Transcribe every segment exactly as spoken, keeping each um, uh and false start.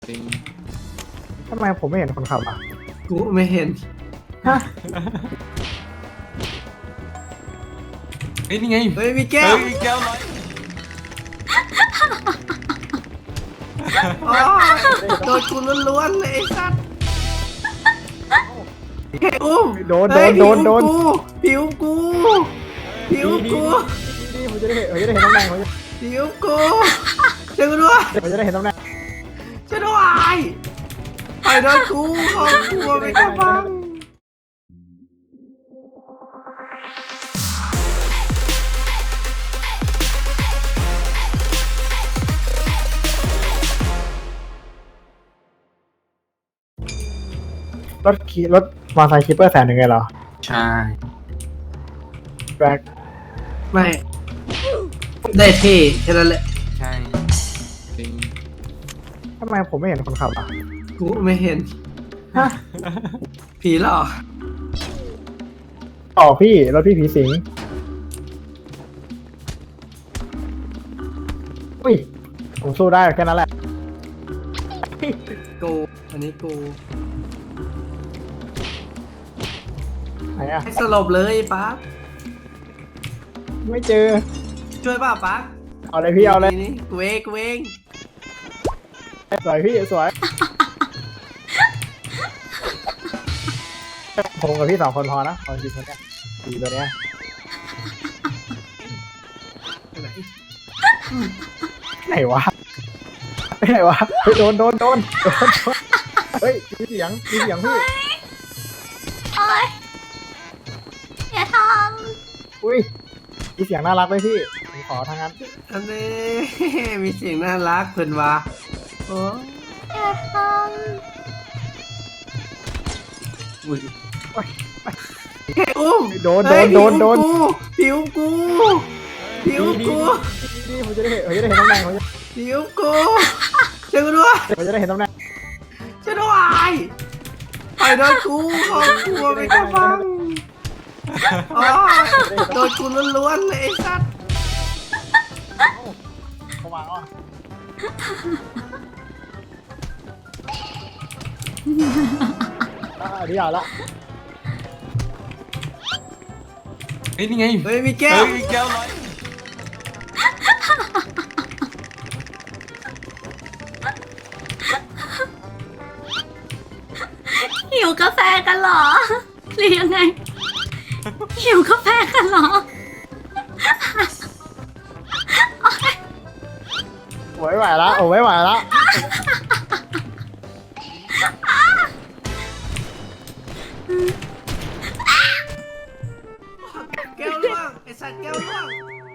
จริงทำไมผมไม่เห็นคนขับอ่ะกูไม่เห็นฮะเฮ้ยนี่ไงเฮ้ยมีแก้วเฮ้ยแก้วร้อยอ๋อโดนกูล้วนๆเลยไอ้สัตว์เฮ้ยอุ้มโดนโดเฮ้ยนโดนโดนผิวกูผิวกูนี่ผมจะได้เห็นผมจะได้เห็นตำแหน่งผมจะผิวกูช่วยกูด้วยผมจะได้เห็นตำแหน่งช่วยด้วยไปโดนกูของกูไม่กล้าฟังรถขี่รถมอเตอร์ไซค์คิปเปอร์แสนหนึ่งไงเหรอใช่แบล็คไม่ได้เท่แค่นั้นแหละใช่จริงทำไมผมไม่เห็นคนขับอ่ะกูไม่เห็นฮะผีหรอกต่อพี่รถพี่ผีสิงอุ้ยผมสู้ได้แค่นั้นแหละกูอันนี้กูไหนอ่ะให้สลบเลยปั๊บไม่เจอช่วยป่ะปั๊บเอาเลยพี่เอาเลยนี่กูเองกูเองสวยพี่สวยผมกับพี่สองคนพอนะขอจริงคนเนี้ยดีตัวเนี้ยไหนไหนวะไปไหนวะเฮ้ยโดนโดนโดนโดนโดนเฮ้ยมีเสียงมีเสียงพี่โอ๊ยอย่าทอุ้ยมีเสียงน่ารักเลยพี่ผมขอทางนั้นอันนี้ มีเสียงน่ารักเพิ่นว่าโอ้ำอย่าทอุ้ยเฮ้ยอุ้มโดนโดนโดนโดนผิวกูผิวกูนี่ผมจะได้เห็นผมจะได้เห็นตำแหน่งผมจะผิวกูช่วยกูด้วยผมจะได้เห็นตำแหน่งช่วยด้วยไปโดนกูของกูไม่กล้าฟังอ๋อโดนกูล้วนๆเลยไอ้สัตว์เข้ามาอ่ะอ่ะดีอ่ะละเฮ้ยนี่ไงเฮ้ยมีแก้วเฮ้ยแก้วร้อยำหิวกาแฟกันเหรอหรือยังไง หิวกาแฟกันเหรอโอ๊ยโอ้ยไหวละโอ้ยไหวละแก้วล่วงไอ้สัตว์แก้วล่วง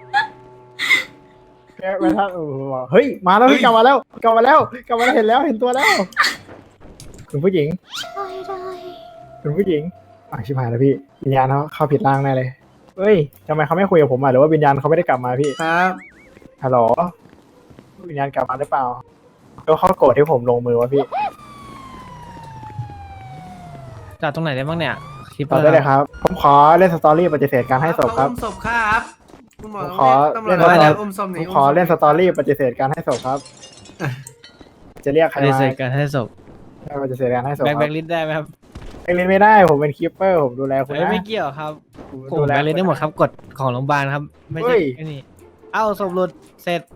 แกไม่ทันโอ้โหเฮ้ยมาแล้วพี่กลับมาแล้วกลับมาแล้วกลับมาแล้วเห็นแล้วเห็นตัวแล้วคุณผู้หญิงช่วยด้วยคุณผู้หญิงอ่ะชิบหายแล้วพี่วิญญาณเขาเข้าผิดร่างแน่เลยเฮ้ยทำไมเขาไม่คุยกับผมอ่ะหรือว่าวิญญาณเขาไม่ได้กลับมาพี่ครับฮัลโหลวิญญาณกลับมาหรือเปล่าแล้วเขาโกรธที่ผมลงมือวะพี่จอดตรงไหนได้บ้างเนี่ยคิปเปต่ออร์ได้เลยครับผมขอเล่นสตอรี่ปฏิเสธการให้ศพครับอุ้มศพครับคุณหมอผมต้องขอเรียกตำรวจเล่นมาแล้วอุ้มศพหผนีมขอเล่นสตอรี่ปฏิเสธการให้ศพครับ จะเรียกใครปฏิมาเสธการให้ศพปฏิเสธการให้ศพแบ็คคแบ็รับคลิสได้ไหมครับแบ็คลิสต์ไม่ได้ผมเป็นคีปเปอร์ผมดูแลคุณเอ้ยนะไม่เกี่ยวครับผมผมดูแลแบ็คลิสได้หมดครับกฎของโรงพยาบาลครับ ไม่เฮ้ใช่ยไอ้นี่เอ้าศพหลุดเสร็จ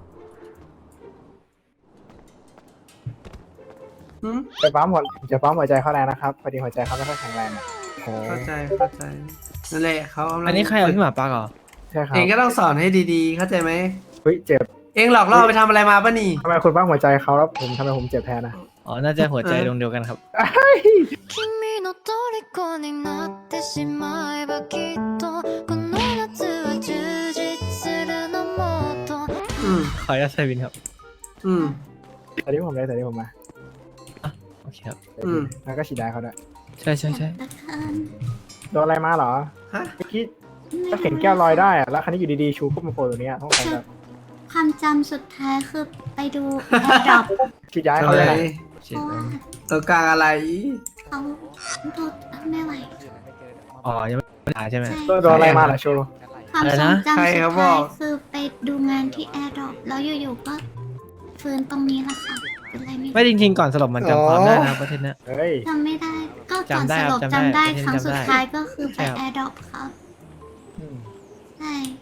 หืมจะปั๊มหัวจะปั๊มหัวใจเขาแรงนะครับพอดีหัวใจเขาไม่ค่อยแข็งแรงอะโอ้เข้าใจเข้าใจนั่นแหละเขากำลังอันนี้ใครเอาพี่หมาปักเหรอใช่ครับเองก็ต้องสอนให้ดีๆ เข้าใจไหไหมเฮ้ยเจ็บเองหลอกล่อไปทำอะไรมาป่ะนี่ทำไมคุณปั๊มหัวใจเขาแล้วผมทำไมผมเจ็บแทนนะอ๋อน่าจะหัวใจดวงเดียวกันครับ君の虜になってしまえばきっとこの夏は充実するのもっとอืมขออนุญาตใช้บินครับอืมตอนนี้ผมเลยตอนนี้ผมมาโอเคครับอืมแล้วก็ฉีดยาเขาด้วยใช่ใช่ใช่ละกันโดนอะไรมาเหรอฮะเมื่อกี้ก็เห็นแก้วลอยได้อะแล้วคันนี้อยู่ดีๆชูขึ้นมาโผล่ตรงเนี้ยต้องใส่แบบความจำสุดท้ายคือไปดูแอร์ดรอปฉีดยาให้อะเขาไรเลยนะเพราะว่าตัวกลางอะไรเขาโดนไม่ไหวอ๋อยังไม่หาใช่ไหมใช่โดนอะไรมาเหรอชูความอะไรทรนะงจำใครสุดเขาบท้าอย กคือไปดูงานที่แอร์ดรอปแล้วอยู่ๆก็ฟื้นตรงนี้แหละค่ะเป็นไรไม่ไม่จริงๆก่อนสลบมันจำความได้นะครับประเทศเนี้ยเฮ้ยจำไม่ได้ ก็ก่อนจำได้สครับลบจำได้จำได้ประเทศครั้งจำได้สุดท้ายก็คือไปใช่ครับแอร์ดรอปครับอืมใช่